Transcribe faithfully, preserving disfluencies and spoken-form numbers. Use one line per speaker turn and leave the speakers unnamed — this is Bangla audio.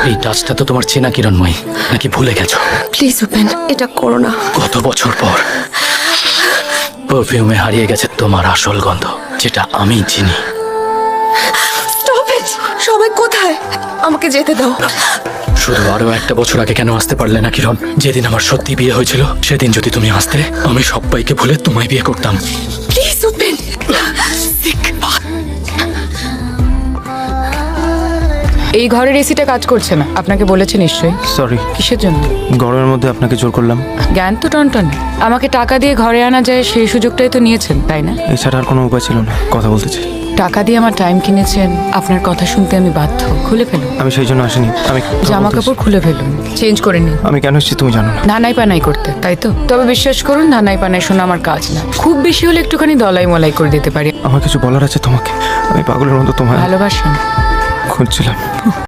এই টাচটা তো তোমার চেনা কিরণময়ী, নাকি ভুলে গেছো?
প্লিজ উপেন, এটা করো না।
কত বছর পর পারফিউমে হারিয়ে গেছে তোমার আসল গন্ধ, যেটা আমি চিনি।
Stop it! সবাই কোথায়? আমাকে যেতে দাও।
শুধু আরো একটা বছর আগে কেন আসতে পারলে না কিরণ? যেদিন আমার সত্যি বিয়ে হয়েছিল সেদিন যদি তুমি আসতে, আমি সবাইকে ভুলে তোমায় বিয়ে করতাম।
প্লিজ উপেন।
এই ঘরের এসিটা কাজ করছে না, আপনাকে বলেছে নিশ্চয়ই।
সরি,
কিসের জন্য?
গরমের মধ্যে আপনাকে জোর করলাম।
জ্ঞান তো টনটন। আমাকে টাকা দিয়ে ঘরে আনা যায় সেই সুযোগটাই তো নিয়েছেন, তাই না?
এছাড়া আর কোনো উপায় ছিল না, কথা বলতে চাই।
টাকা দিয়ে আমার টাইম কিনেছেন, আপনার কথা শুনতে আমি বাধ্য। খুলে ফেলুন
আমি সেই জন্য আসিনি, আমি কথা
জামা
বলতে
কাপড়, খুলে ফেলুন, চেঞ্জ করে নিন।
এসেছি। আমি কেন এসেছি তুমি জানো না।
ধানাই পানাই করতে, তাই তো? তবে বিশ্বাস করুন, ধানাই পানাই শোনা আমার কাজ না। খুব বেশি হলে একটুখানি দলাই মলাই করে দিতে পারি।
আমার কিছু বলার আছে তোমাকে। আমি পাগলের মতো তোমায়
ভালোবাসেন?
খুঁজছিলাম।